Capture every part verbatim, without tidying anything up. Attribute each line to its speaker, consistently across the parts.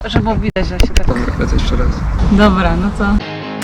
Speaker 1: Że było widać, że się tak...
Speaker 2: Dobra, lecę jeszcze raz.
Speaker 1: Dobra, no to...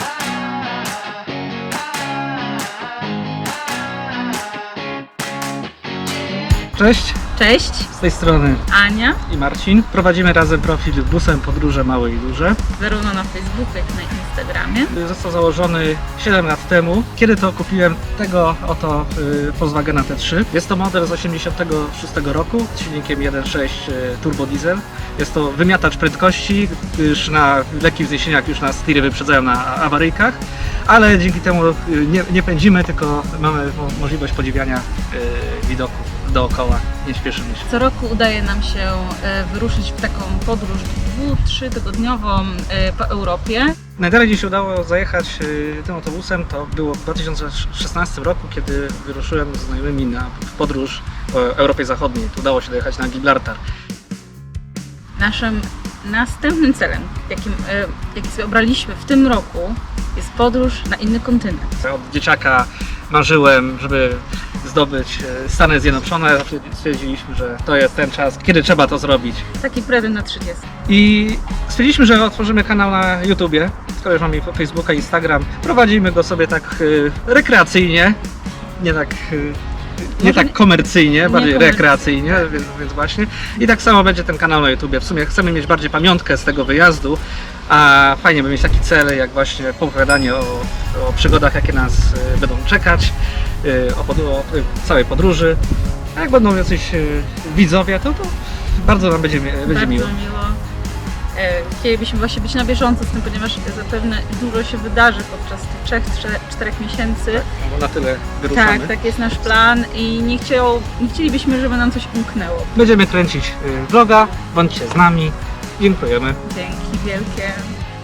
Speaker 2: Cześć,
Speaker 1: Cześć,
Speaker 2: z tej strony
Speaker 1: Ania,
Speaker 2: i Marcin. Prowadzimy razem profil Busem Podróże Małe i Duże.
Speaker 1: zarówno na Facebooku, jak i na Instagramie.
Speaker 2: Został założony siedem lat temu, kiedy to kupiłem tego oto y, Volkswagena T trzy. Jest to model z osiemdziesiątego szóstego roku z silnikiem jeden przecinek sześć y, turbo diesel. Jest to wymiatacz prędkości, gdyż na lekkich wzniesieniach już nas tiry wyprzedzają na awaryjkach, ale dzięki temu y, nie, nie pędzimy, tylko mamy mo możliwość podziwiania y, widoków dookoła, nie śpieszymy się.
Speaker 1: Co roku udaje nam się e, wyruszyć w taką podróż dwu-, trzytygodniową e, po Europie.
Speaker 2: Najdalej gdzie się udało zajechać y, tym autobusem to było w dwa tysiące szesnastym roku, kiedy wyruszyłem z znajomymi na podróż po Europie Zachodniej. Tu udało się dojechać na Gibraltar.
Speaker 1: Naszym następnym celem, jakim, e, jaki sobie obraliśmy w tym roku, jest podróż na inny kontynent.
Speaker 2: Od dzieciaka marzyłem, żeby zdobyć y, Stany Zjednoczone. Stwierdziliśmy, że to jest ten czas, kiedy trzeba to zrobić.
Speaker 1: Taki prezent na trzydziestkę.
Speaker 2: I stwierdziliśmy, że otworzymy kanał na YouTubie, skoro już mamy Facebooka i Instagram. Prowadzimy go sobie tak y, rekreacyjnie, nie tak, y, nie
Speaker 1: Może
Speaker 2: tak
Speaker 1: nie-
Speaker 2: komercyjnie,
Speaker 1: nie
Speaker 2: bardziej
Speaker 1: komercyjnie,
Speaker 2: rekreacyjnie,
Speaker 1: tak.
Speaker 2: więc, więc właśnie. I tak samo będzie ten kanał na YouTubie. W sumie chcemy mieć bardziej pamiątkę z tego wyjazdu, a fajnie by mieć taki cel, jak właśnie opowiadanie o, o przygodach, jakie nas y, będą czekać, y, o, pod, o y, całej podróży. A jak będą jacyś y, widzowie, to, to bardzo nam będzie, będzie
Speaker 1: Bardzo
Speaker 2: miło.
Speaker 1: miło. E, Chcielibyśmy właśnie być na bieżąco z tym, ponieważ zapewne dużo się wydarzy podczas tych trzech, czterech, czterech miesięcy.
Speaker 2: No bo na tyle wyruszamy.
Speaker 1: Tak, tak jest nasz plan i nie, chciał, nie chcielibyśmy, żeby nam coś umknęło.
Speaker 2: Będziemy kręcić y, vloga, bądźcie z nami. Dziękujemy.
Speaker 1: Dzięki wielkie.